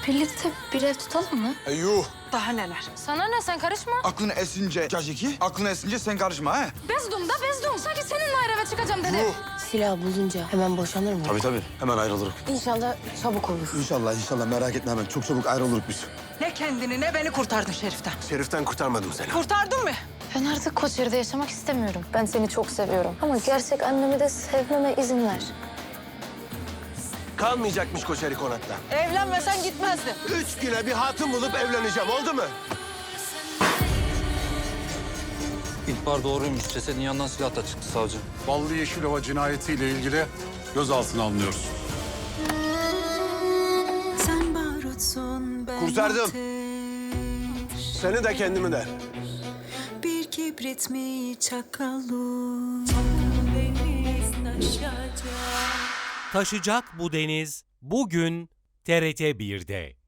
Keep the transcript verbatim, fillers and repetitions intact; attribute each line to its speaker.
Speaker 1: Birlikte bir ev tutalım mı?
Speaker 2: E, yuh.
Speaker 3: Daha neler?
Speaker 1: Sana ne, sen karışma.
Speaker 2: Aklına esince caciki, aklına esince sen karışma ha.
Speaker 1: Bezdum da bezdum. Sanki seninle ayrı eve çıkacağım dedi.
Speaker 2: Yuh.
Speaker 4: Silah bulunca hemen boşanır mı?
Speaker 5: Tabii tabii. Hemen ayrılırız.
Speaker 4: İnşallah çabuk olur.
Speaker 5: İnşallah inşallah merak etme hemen. Çok çabuk ayrılırız biz.
Speaker 3: Ne kendini ne beni kurtardın Şerif'ten.
Speaker 5: Şerif'ten kurtarmadım seni.
Speaker 3: Kurtardın mı?
Speaker 1: Ben artık Koçeri'de yaşamak istemiyorum. Ben seni çok seviyorum. Ama gerçek annemi de sevmeme izin ver.
Speaker 5: Kalmayacakmış Koçeri konakta.
Speaker 3: Evlenmesen gitmezdin.
Speaker 5: Üç güne bir hatun bulup evleneceğim. Oldu mu?
Speaker 6: İhbar doğruymuş. Cesedin yanından silah da çıktı savcı.
Speaker 7: Ballı Yeşilova cinayetiyle ilgili gözaltına alınıyoruz.
Speaker 8: Sen barutsun, ben
Speaker 5: Kurtardım.
Speaker 8: ateş.
Speaker 5: Seni de kendimi de.
Speaker 8: Bir kibrit mi çakalım? Deniz taşacak.
Speaker 9: Taşacak bu deniz bugün T R T bir'de.